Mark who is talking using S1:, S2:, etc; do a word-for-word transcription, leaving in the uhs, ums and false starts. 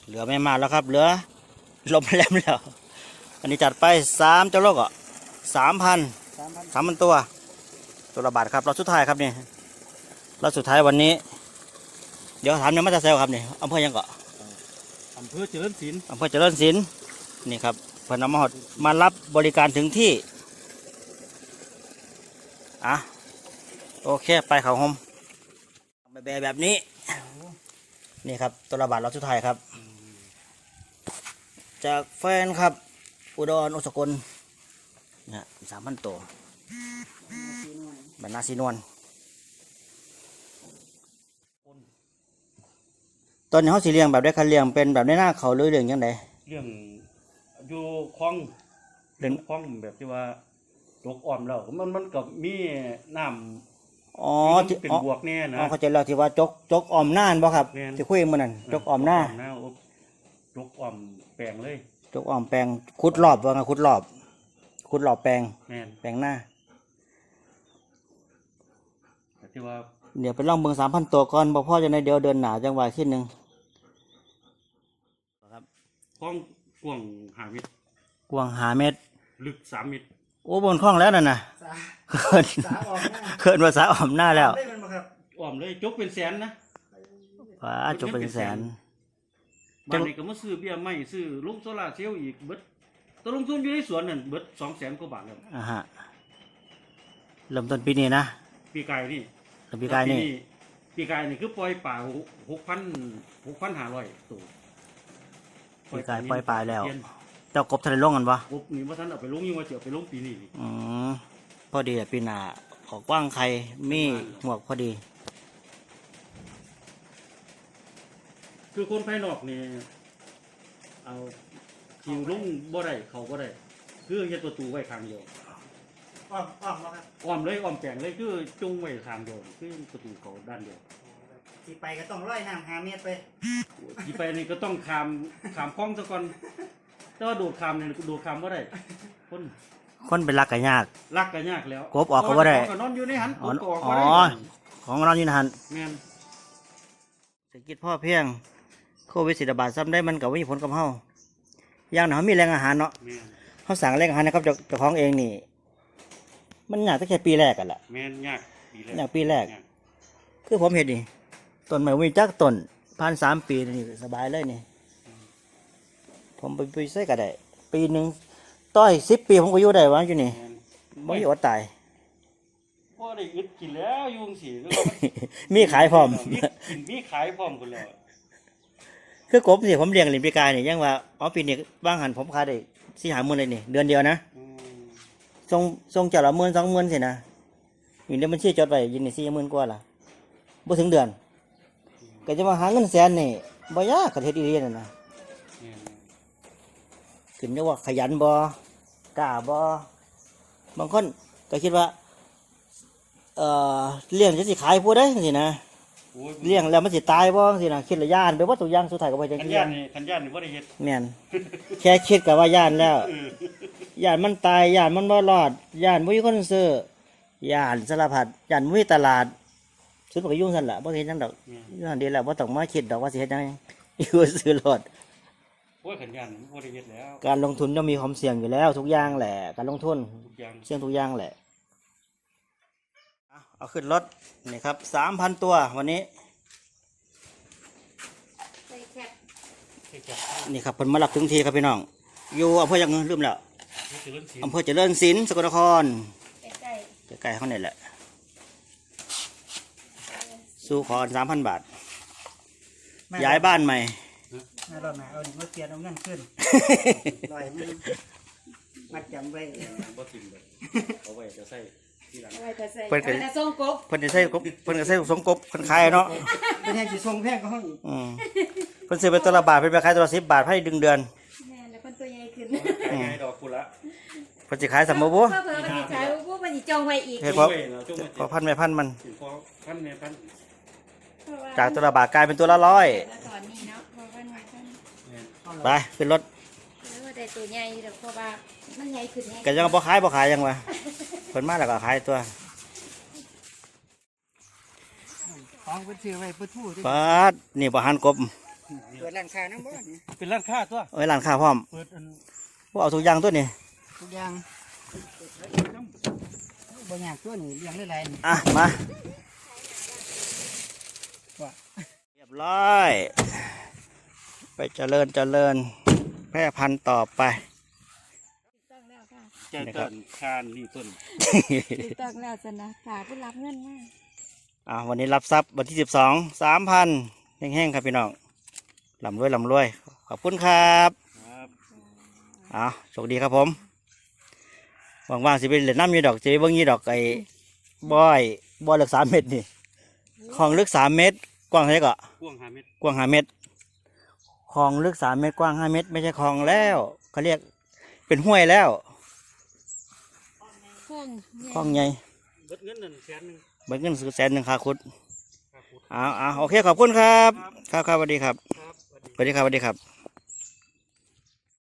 S1: เหลือไม่มากแล้วครับเหลือลมแรงแล้วอันนี้จัดไปสามเจ้าโลกอ่ะสามพันสามพันตัวตัวละบาทครับเราสุดท้ายครับนี่เราสุดท้ายวันนี้เดี๋ยวถามเนี่ยมาจะเซลครับนี่อำเภอยังเกาะ
S2: อำเภอเจริญศิลป์
S1: อำเภอเจริญศิลป์นี่ครับเพิ่นนำมาหอดมารับบริการถึงที่อ่ะโอเคไปเขาโฮมแบบแบบนี้นี่ครับตัวละบาทเราสุดท้ายครับจากแฟนครับอุดรอุสกลเนี่ยสามพันตัวบรรณาสีนวลตอนนี้เขาสีเลี้ยงแบบได้คันเลี้ยงเป็นแบบได้หน้าเขาหรือเลี้ยงยังไง
S2: เรื่องอยู่คลองเรื่องคลองแบบที่ว่าตกอ่อมแล้วมันมันกับมีน้ำ
S1: อ๋อที่
S2: เป็นบวกแน่นะ
S1: อ๋อเขาจะเล่าที่ว่าจกจกอ่อมน่านบ่ครับที่คุยมันนั่นจกอ่อมหน้า
S2: จกอ่อมแปลงเลย
S1: จกอ่อมแปลงขุดรอบว่าไงขุดรอบขุดรอบแปลงแปลงหน้า
S2: ที่ว่า
S1: เดี๋ยวไปล่องเบิ่งสามพันตัวก่อนบ่พ่อจะในเดียวเดินหนาจังหวะที่หนึ่ง
S2: ครับกว้างกว้างห้าเมตร
S1: กว้างห้าเมตร
S2: ลึกสามเมตร
S1: โอ้บนคล้องแล้วนั่นน่ะเขินเขินภาษาอ่อมหน้าแล้ว
S2: อ่อมเลยจกเป็นแสนนะ
S1: ว้าจกเป็นแสน
S2: บ้านนี้ก็มาซื้อเบี้ยไม้ซื้อลุงโซล่าเซลล์อีกเบิดตัวลงทุนอยู่ในสวนนั่นเบิดสองแสนกว่าบาทแล้ว
S1: อ่าฮะเริ่มต้นปีนี้นะ
S2: ปีกายนี่
S1: ปีกายนี่
S2: ปีกายนี่คือปล่อยป่าหกพันหกพันห้าร้อยตัว
S1: ปีกายปล่อยป่าแล้วเจ้ากบทะเลลงกันปะ
S2: กบนี่ว่าท่านเอาไปลงยังว่าจะเอาไปลงปีนี้
S1: อืมพอดีปีหน้าขอกว้างใครมีหมวกพอดี
S2: คือคนภายนอกนี่เอาคิวลงบ่ได้เขาบ่ได้คือเฮ็ดประตูไว้ข้างเดียว
S1: อ้อมอ้อมแล้วครับ
S2: อ้อมเลยอ้อมแปลงเลยคือจุงไว้ข้างเดียวคือประตูเขาด้านเดียว
S1: ที่ไปก็ต้องร้อยน้ำห้าเมตรไป
S2: ที่ไปนี่ก็ต้องข้ามข้ามคลองซะก่อนแต่ว่าโดดข้ามนี่โดดข้ามบ่ได้คน
S1: คนเป็นรักกันยาก
S2: รักกันยากแล้ว
S1: กบออกก็บ่ได้
S2: นอนอยู่ในหัน
S1: อ๋อของนอนอยู่ในหัน
S2: แม่น
S1: เศรษฐกิจพ่อเพียงโควิดสิบาทซ้ำได้มันกับวิผลกับเฮาอย่างหนาวมีแรงอาหารเนาะเขาสั่งแรงอาหารนะครับเจ้าของเองนี่มันยากตั้งแต่ปีแรกกันแหละ
S2: แม่นยากปีแรก
S1: ยากปีแรกคือผมเห็นนี่ต้นไม้วิ่งจักต้นพันสามปีนี่สบายเลยนี่ผมไปไปใส่ก็ได้ปีหนึ่งต้อยสิบปีผมก็อยู่ได้วะอยู่นี่ไม่อดตาย
S2: พอได้อึดกินแล้วยุงสี
S1: มีขายพร้อม
S2: กินมีขายพร้อมกันแล้ว
S1: คือกบสิผมเลี้ยงลิมปีกายนี่ยังว่าอ๋อปีนี้บ้างหันผมขายได้สี่หาหมื่นเลยนี่เดือนเดียวนะทรงทรงจะละหมื่นสองหมื่นสินะอยู่ในบัญชีจดไว้ยินนี่สี่หมื่นกว่าละบ่ถึงเดือนก็จะมาหาเงินแสนนี่บ่ยากกระเทศอีเลียนนะขึ้นอยู่ว่าขยันบ่กล้าบ่บางคนก็คิดว่าเอ่อเลี้ยงจะสิขายผู้ได้สินะเลี้ยงแล้วมันสิตายบ่สินะคิดละย่านไปว่าตัวอย่างสุดท้ายก็บ่จังซี่
S2: คันย่านนี่คันย่านนี่บ่ได้เฮ็ด
S1: แม่นแค่คิดก็ว่าย่านแล้วย่านมันตายย่านมันบ่รอดย่านบ่มีคนซื้อย่านสารพัดย่านบ่มีตลาดสุดก็ยุ่งซั่นล่ะบ่เฮ็ดหยังดอกนั่นดีแล้วบ่ต้องมาคิดดอกว่าสิเฮ็ดหยังอยู่ซื้อรถ
S2: โอ้ยคันย่านบ่ได้เฮ็ดแล้ว
S1: การลงทุนย่อมมีความเสี่ยงอยู่แล้วทุกอย่างแหละการลงทุนทุกอย่างเสี่ยงทุกอย่างแหละเอาขึ้นรถนี่ครับ สามพัน ตัววันนี้นี่ครับเพิ่นมารับถึงทีครับพี่น้องอยู่อำเภอยังลืมแล้วอำเภอเจริญศิลป์สกลนครใกล้ใกล้ๆเขาเนี่ยแหละสู้ขอ สามพัน บาทย้ายบ้านใหม่
S3: น่ารอดมาเอาดิมาเปลี่ยนเอาเงินขึ้นลอยมันมัดจำไว้
S2: บ่ทิ้งเลยเอาไว้จะใส่ที่หลัง
S1: เพิ่นก็
S4: ส่งกบ
S1: เพิ่นจะใส่กบเพิ่นก็ใส่สงกบเพิ่นขายเนาะ
S3: เป็นแห่งสิส่งแพงก็ห้อง
S1: อืมเพิ่นซื้อไปตัวละบาทเพิ่นไปขายตัวละสิบบาทให้ดึงเดือน
S4: แม่แล้วเพิ่นตัวใหญ่ขึ้น
S2: ใหญ่ดอกกุละ
S1: เพิ่นสิขายสมมุติบ่
S4: เพิ่นเพิ่นสิขายบ่เพิ่นสิจองไว้อีก
S1: เฮ็ดพอพอพันแม่พันมัน
S2: พันแม่พัน
S1: จากตัวละบาทกลายเป็นตัวละร้อย
S4: ตอนนี้เนาะพอพันพัน
S1: ไปขึ้นรถ
S4: แล้วได้ตัวใหญ่ดอกเพราะว่ามันใหญ่ขึ้นแฮะ
S1: ก็ยังบ่ขายบ่ขายยังวะเพิ่นมาแล้วก็ขายตัว
S3: ของเพิ่นซื้อไว้เพิ่นทู่
S1: ปาดนี่บ่หันกบ
S3: เปิดร้านค้าน้ำบ่นี่
S2: เป็นร้านค้าตัว
S1: เอ้ยร้านค้าพร้อม
S2: เปิดอัน
S1: พวกเอาทุกอย่างตัวนี้
S3: ทุกอย่างบ่อยากตัวนี้เลี้ยงได้หลายนี่
S1: อ่ะมา
S3: ว่า
S1: เรียบร้อย ไปเจริญเจริญแพร่พันธุ์ต่อไป
S4: ต้องแล้วค่ะ
S2: ใจต้นคานนี่ต้น
S4: ถูกต้องแล้วจ้ะนะฝากผู้รับเงินมา
S1: อ่าวันนี้รับทรัพย์วันที่สิบสองสามพันแห้งๆครับพี่น้องลำรวยลำรวย ขอบคุณครับ
S2: ครับ
S1: อ่าโชคดีครับผมว่างๆสิเป็นเหรียญน้ำอยู่ดอกสิเบิ้งยี่ดอกไอ้บอยบอยลึกสามเมตรนี่คลองลึกสามเมตร กว้างเท่าไหร่ก็
S2: กว้างห้าเมตร
S1: กว้างห้าเมตรคลองลึกสามเมตรกว้างห้าเมตร ไม่ใช่คลองแล้วเขาเรียกเป็นห้วยแล้ว
S4: เครื่อง
S1: คลองใหญ่
S2: เบิดเงินนั่นแสนหนึง
S1: เบิ้งเงินแสนหนึ่งคาคุด
S2: ครับ
S1: อ้าวอ้าวโอเคขอบคุณครับ ครับครับสวัสดีครับ
S2: ครับสวัสดี
S1: สวัสดีครับสวัสดีครับ